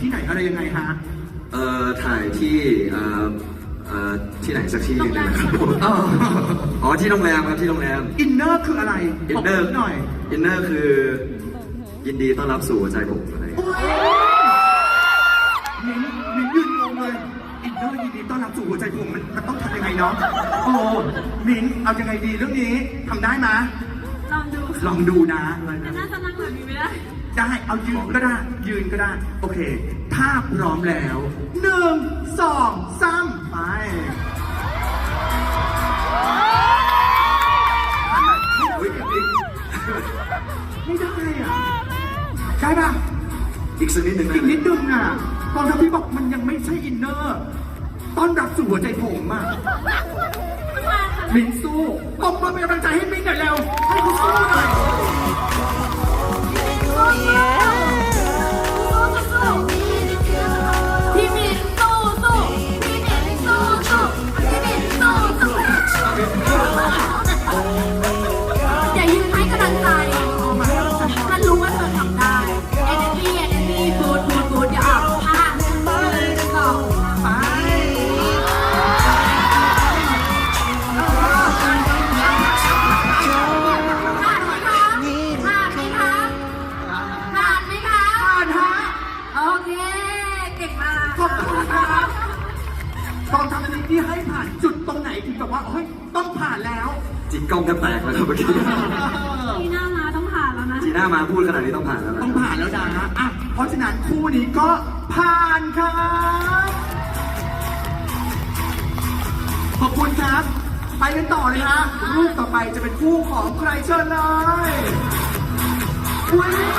ที่ไหนอะไรยังไงฮะถ่ายที่ไหนสักที่หนึงนะครับผม อ๋อที่โรงแรมครับที่โรงแรมอินเนอร์คืออะไรอินเนอร์หน่อยอินเนอร์คือยินดีต้อนรับสู่หัวใจผมอะไรโอ้ยมิ้นยืนงงเลยอินเนอร์ยินดีต้อนรับสู่หัวใจผมมันต้องทำยังไงเนาะโอ้มิ้นเอายังไงดีเรื่องนี้ทำได้ไหมลองดูนะแต่น่าจะนั่งแบบนี้ไม่ได้ได้เอายืนก็ได้ยืนก็ได้โอเคถ้าพร้อมแล้ว1 2 3ไปไม่ได้อ่ะได้ป่ะอีกสักนิดหนึ่งอีกนิดนึงอ่ะตอนที่พี่บอกมันยังไม่ใช่อินเนอร์ต้อนรับสู่หัวใจผมอ่ะมินสู้ปมมือเป็นกำลังใจให้มินหน่อยเร็วให้เขาสู้หน่อยพี่มินสู้สู้พี่มินสู้สู้พี่มินสู้สู้อย่ายืนให้กำลังใจท่านรู้ว่าเธอทำได้ energy good อย่าออกค่ะ1 2ไปผ่านไหมคะโอเคเก่งมากขอบคุณครับตอนทำอันนี้ที่ให้ผ่านจุดตรงไหนที่แบบว่าเฮ้ยต้องผ่านแล้วจิกกล้องแทบแตกแล้วครับเมื่อกี้ปีหน้ามาต้องผ่านแล้วนะจีน่ามาพูดขนาดนี้ต้องผ่านแล้วนะต้องผ่านแล้วนะอ่ะเพราะฉะนั้นคู่นี้ก็ผ่านครับขอบคุณครับ ไปกันต่อเลยฮะรูปต่อไปจะเป็นคู่ของใครเชิญเลยอุ๊ย